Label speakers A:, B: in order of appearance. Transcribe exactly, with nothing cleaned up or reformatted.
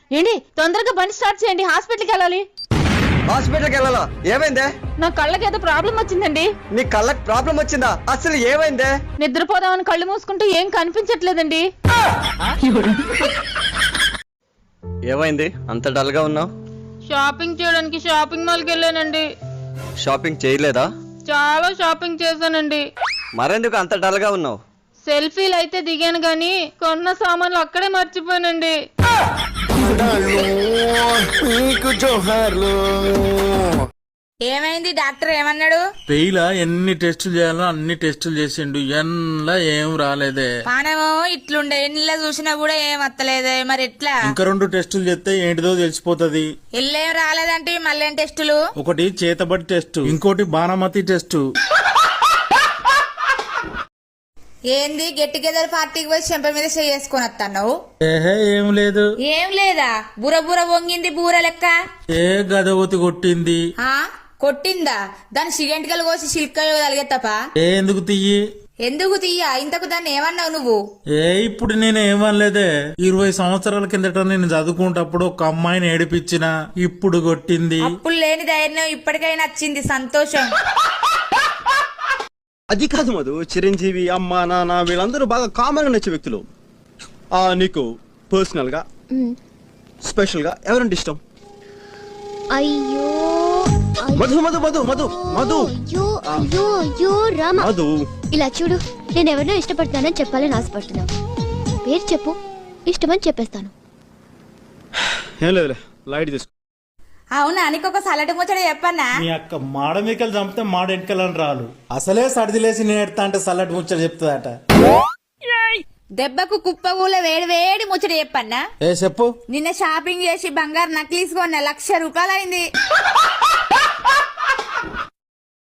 A: ఏంటి తొందరగా బండి స్టార్ట్ చేయండి, హాస్పిటల్కి వెళ్ళాలి.
B: హాస్పిటల్కి వెళ్ళాలా? ఏమైందే?
A: నా కళ్ళకి ఏదో ప్రాబ్లం వచ్చిందండి.
B: నీ కళ్ళకి ప్రాబ్లం వచ్చిందా? అసలు ఏమైందే?
A: నిద్రపోదామని కళ్ళు మూసుకుంటూ ఏం కనిపించట్లేదండి.
B: ఏమైంది అంత డల్ గా ఉన్నావు?
A: షాపింగ్ చేయడానికి షాపింగ్ మాల్కి వెళ్ళానండి.
B: షాపింగ్ చేయలేదా?
A: చాలా షాపింగ్ చేశానండి.
B: మరెందుకు అంత డల్ గా ఉన్నావు?
A: సెల్ఫీలు అయితే దిగాను గానీ కొన్న సామాన్లు అక్కడే మర్చిపోయానండి.
C: ఏమైంది? డాక్టర్ ఏమన్నాడు?
D: పెయిలా ఎన్ని టెస్టులు చేయాలో అన్ని టెస్టులు చేసిండు, ఎన్లా ఏం రాలేదే.
C: పానమో ఇట్లుండే ఎన్నిలా చూసినా కూడా ఏం వత్తలేదే, మరి ఎట్లా?
D: ఇంకా రెండు టెస్టులు చేస్తే ఏంటిదో తెలిసిపోతది.
C: ఎల్లేం రాలేదంటే మళ్ళీ టెస్టులు?
D: ఒకటి చేతబడి టెస్ట్, ఇంకోటి బాణమతి టెస్ట్.
C: ఏంది గెట్ టుగెదర్ పార్టీకి పోయి చెంప మీద చేసుకొని వస్తావు?
D: ఏహే ఏం లేదు.
C: ఏం లేదా? బుర బుర వంగింది బూర లెక్క.
D: ఏ గదవతి కొట్టింది.
C: ఆ కొట్టిందా? దాని సిగంటికలు కోసి సిల్క తలిగెత్తప.
D: ఏ ఎందుకు తీయి?
C: ఎందుకు తీయ? ఇంతకు దాన్ని ఏమన్నావు నువ్వు?
D: ఏ ఇప్పుడు నేను ఏమనలేదే. ఇరవై సంవత్సరాల కిందట నేను చదువుకుంటప్పుడు ఒక అమ్మాయిని ఏడిపించిన, ఇప్పుడు కొట్టింది.
C: అప్పుడు లేని ధైర్యం ఇప్పటికైనా వచ్చింది, సంతోషం.
B: అది కాదు మధు, చిరంజీవి అమ్మ నాన్న వీళ్ళందరూ బాగా కామన్ గా నచ్చే వ్యక్తులు. ఆ నీకు పర్సనల్ గా స్పెషల్ గా ఎవరంటే ఇష్టం?
E: అయ్యో
B: మధు మధు మధు మధు మధు
E: అయ్యో అయ్యో అయ్యో రామ,
B: మధు
E: ఇలా చూడు, నేను ఎవరినో ఇష్టపడతానని చెప్పాలని ఆశపడుతున్నావు. పేరు చెప్పు, ఇష్టమని చెప్పేస్తాను.
B: ఏం లేదులే, లైట్ తీసుకో.
C: అవునా? నీకు ఒక సలటి ముచ్చట చెప్పన్నా?
D: మీ అక్క మాడ మీకలు చంపితే మాడ ఎన్నికలని రాలు. అసలే సర్దిలేసి నేను ఎడతా అంటే సల్లటి ముచ్చట చెప్తుందట.
C: దెబ్బకు కుప్పగూల వేడి వేడి ముచ్చట చెప్పన్నా?
D: ఏ చెప్పు.
C: నిన్న షాపింగ్ చేసి బంగారు నక్లీస్ కొన్న లక్ష రూపాయలు అయింది.